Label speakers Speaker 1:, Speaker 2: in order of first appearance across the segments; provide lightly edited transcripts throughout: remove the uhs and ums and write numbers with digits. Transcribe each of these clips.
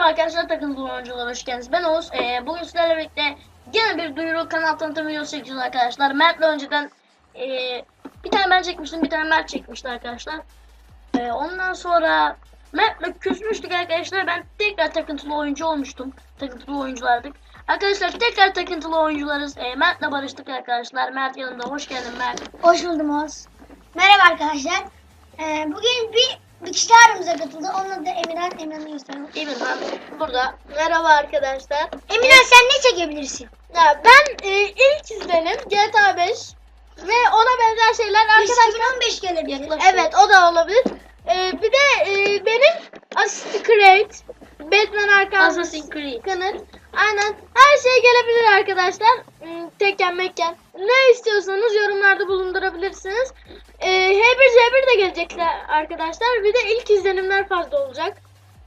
Speaker 1: arkadaşlar, takıntılı oyuncular, hoş geldiniz. Ben Oğuz. Bugün sizlerle birlikte gene bir duyuru kanal tanıtım videosu çekiyoruz arkadaşlar. Mert'le önceden bir tane ben çekmiştim, bir tane Mert çekmişti arkadaşlar. Ondan sonra Mert'le küsmüştük arkadaşlar. Ben tekrar takıntılı oyuncu olmuştum. Takıntılı oyunculardık. Arkadaşlar tekrar takıntılı oyuncularız. Mert'le barıştık arkadaşlar. Mert yanımda. Hoş geldin Mert.
Speaker 2: Hoş buldum Oğuz. Merhaba arkadaşlar. Bugün bir kişi aramıza katıldı. Onun adı Emirhan. Emirhan'ı gösterelim.
Speaker 1: Emirhan burada. Merhaba arkadaşlar.
Speaker 2: Emirhan sen ne çekebilirsin?
Speaker 1: Ya ben ilk izlenim GTA 5 ve ona benzer şeyler arkadaşlar.
Speaker 2: 2015 gelebilir.
Speaker 1: Evet, o da olabilir. Bir de benim Assassin's Creed, Batman Arkham
Speaker 2: Assassin's Creed.
Speaker 1: Kanıt. Aynen, her şey gelebilir arkadaşlar. Tekken mekken. Ne istiyorsanız yorumlarda bulundurabilirsiniz. H1Z1 de gelecekler arkadaşlar. Bir de ilk izlenimler fazla olacak.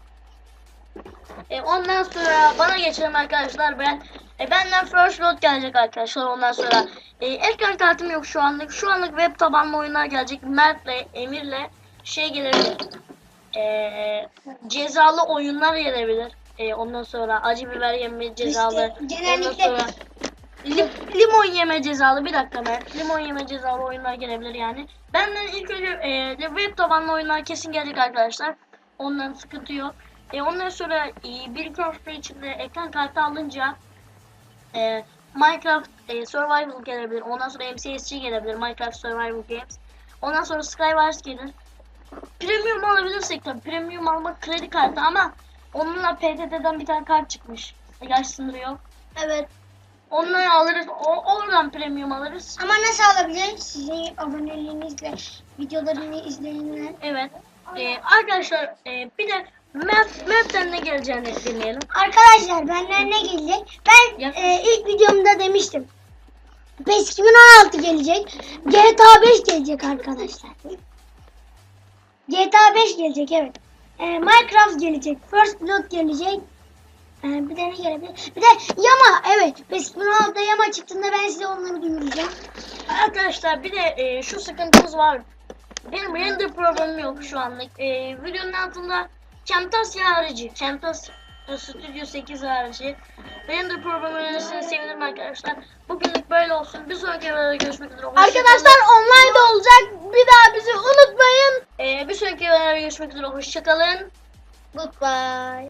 Speaker 1: Ondan sonra bana geçelim arkadaşlar. Benden First Load gelecek arkadaşlar. Ondan sonra ekran kartım yok şu anlık. Şu anlık web tabanlı oyunlar gelecek. Mert'le, Emir'le şey gelebilir. Cezalı oyunlar gelebilir. Ondan sonra acı biber yeme cezalı.
Speaker 2: İşte, genellikle
Speaker 1: ondan sonra limon yeme cezalı. Bir dakika Mert. Limon yeme cezalı oyunlar gelebilir yani. Benden ilk önce web tabanlı oyunlar kesin gelecek arkadaşlar. Ondan sıkıntı yok. Ondan sonra bir köprü içinde ekran kartı alınca Minecraft Survival gelebilir. Ondan sonra MCSG gelebilir. Minecraft Survival Games. Ondan sonra Skywars gelir. Premium alabilirsek tabii. Premium almak kredi kartı ama onunla PTT'den bir tane kart çıkmış. Yaş sınırı yok.
Speaker 2: Evet.
Speaker 1: Onları alırız. Oradan premium alırız.
Speaker 2: Ama nasıl alabiliriz? Sizin aboneliğinizle videolarını izleyenler.
Speaker 1: Evet. Arkadaşlar bir de Map'ten ne geleceğini dinleyelim.
Speaker 2: Arkadaşlar benden ne gelecek? Ben
Speaker 1: Yakın.
Speaker 2: ilk videomda demiştim. PES 2016 gelecek. GTA 5 gelecek arkadaşlar. GTA 5 gelecek, evet. Minecraft gelecek. First Blood gelecek. Bir de ne gelebilir? Bir de Yama, evet. PES 2016'da Yama çıktığında ben size onları duyuracağım.
Speaker 1: Arkadaşlar bir de şu sıkıntımız var. Benim render problemim yok şu anlık. Videonun altında Camtasia harici, Camtasia Studio 8 harici render problemi önerisini sevinirim arkadaşlar. Bugünlük böyle olsun. Bir sonraki videoda görüşmek üzere.
Speaker 2: Arkadaşlar online de olacak. Bir daha bizi unutmayın.
Speaker 1: Bir sonraki videoda görüşmek üzere. Hoşçakalın.
Speaker 2: Goodbye.